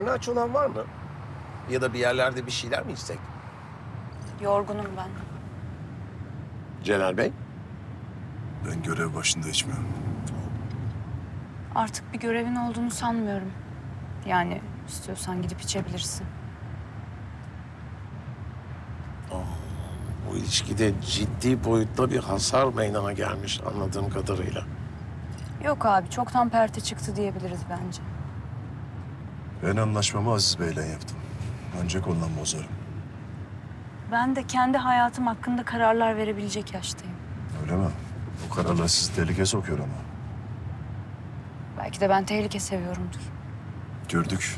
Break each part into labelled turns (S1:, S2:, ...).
S1: Aç olan var mı? Ya da bir yerlerde bir şeyler mi içsek?
S2: Yorgunum ben.
S1: Celal Bey?
S3: Ben görev başında içmiyorum.
S2: Artık bir görevin olduğunu sanmıyorum. Yani istiyorsan gidip içebilirsin.
S1: Bu ilişkide ciddi boyutta bir hasar meydana gelmiş anladığım kadarıyla.
S2: Yok abi, çoktan perte çıktı diyebiliriz bence.
S3: Ben anlaşmamı Aziz Bey'le yaptım. Ancak ondan bozarım.
S2: Ben de kendi hayatım hakkında kararlar verebilecek yaştayım.
S3: Öyle mi? O kararlar sizi tehlikeye sokuyor ama.
S2: Belki de ben tehlike seviyorumdur.
S3: Gördük.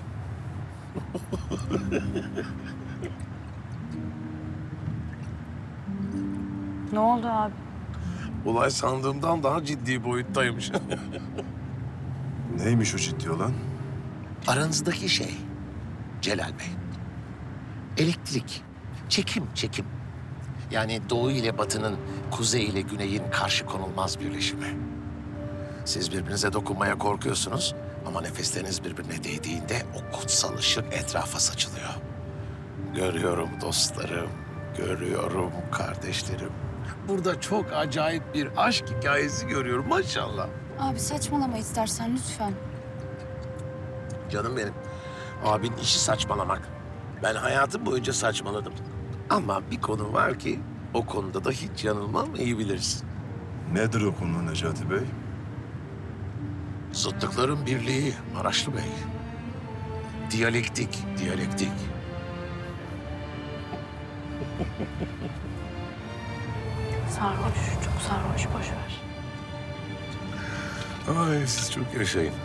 S2: Ne oldu abi?
S1: Olay sandığımdan daha ciddi boyuttaymış.
S3: Neymiş o ciddi olan?
S1: Aranızdaki şey Celal Bey. Elektrik, çekim. Yani doğu ile batının, kuzey ile güneyin karşı konulmaz birleşimi. Siz birbirinize dokunmaya korkuyorsunuz ama nefesleriniz birbirine değdiğinde o kutsal ışık etrafa saçılıyor. Görüyorum dostlarım, görüyorum kardeşlerim. Burada çok acayip bir aşk hikayesi görüyorum maşallah.
S2: Abi saçmalama istersen lütfen.
S1: Canım benim, abin işi saçmalamak. Ben hayatım boyunca saçmaladım. Ama bir konu var ki o konuda da hiç yanılmam, iyi bilirsin.
S3: Nedir o konu Necati Bey?
S1: Zıtlıkların birliği Maraşlı Bey. Diyalektik.
S2: Sarhoş, çok sarhoş, boş ver.
S1: Ay siz çok yaşayın.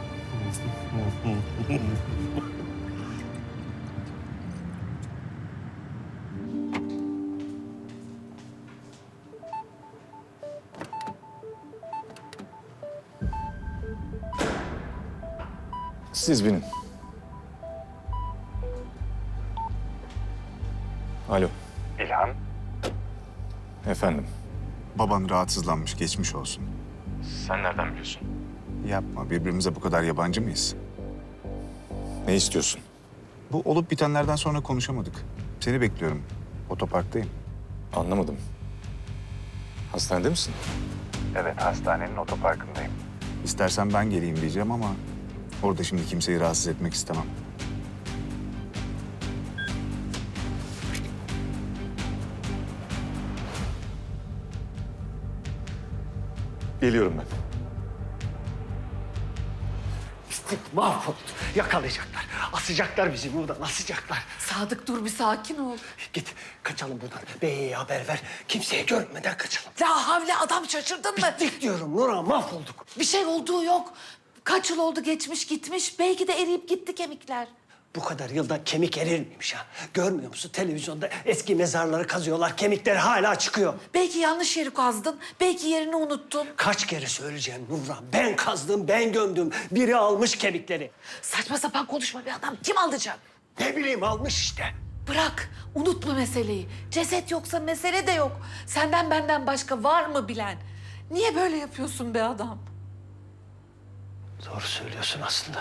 S4: Siz binin. Alo.
S5: İlhan,
S4: Efendim.
S6: Baban rahatsızlanmış, geçmiş olsun.
S4: Sen nereden biliyorsun?
S6: Yapma, birbirimize bu kadar yabancı mıyız?
S4: Ne istiyorsun?
S6: Bu olup bitenlerden sonra konuşamadık. Seni bekliyorum. Otoparktayım.
S4: Anlamadım. Hastanede misin?
S5: evet hastanenin otoparkındayım.
S6: İstersen ben geleyim diyeceğim ama orada şimdi kimseyi rahatsız etmek istemem.
S4: Geliyorum ben.
S7: Mahvolduk. Yakalayacaklar. Asacaklar bizi buradan, asacaklar.
S8: Sadık dur bir sakin ol.
S7: Git, kaçalım buradan. Bey'e haber ver. Kimseye görmeden kaçalım.
S8: La havle adam şaşırdın mı?
S7: Dik diyorum Nurhan, mahvolduk.
S8: Bir şey olduğu yok. Kaç yıl oldu geçmiş gitmiş. Belki de eriyip gitti kemikler.
S7: Bu kadar yılda kemik erir miymiş ha? Görmüyor musun? Televizyonda eski mezarları kazıyorlar. Kemikleri hala çıkıyor.
S8: Belki yanlış yeri kazdın. Belki yerini unuttun.
S7: Kaç kere söyleyeceğim Nurhan? Ben kazdım, ben gömdüm. Biri almış kemikleri.
S8: Saçma sapan konuşma bir adam. Kim alacak?
S7: Ne bileyim, almış işte.
S8: Bırak. Unutma meseleyi. Ceset yoksa mesele de yok. Senden benden başka var mı bilen? Niye böyle yapıyorsun be adam?
S7: Doğru söylüyorsun aslında.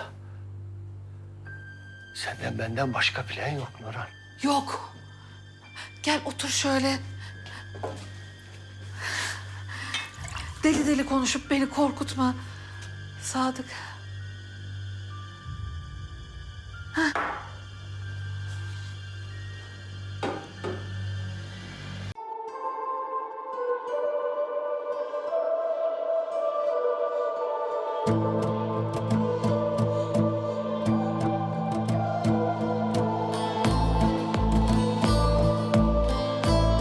S7: Senden benden başka plan yok Nurhan.
S8: Yok. Gel otur şöyle. Deli deli konuşup beni korkutma. Sadık.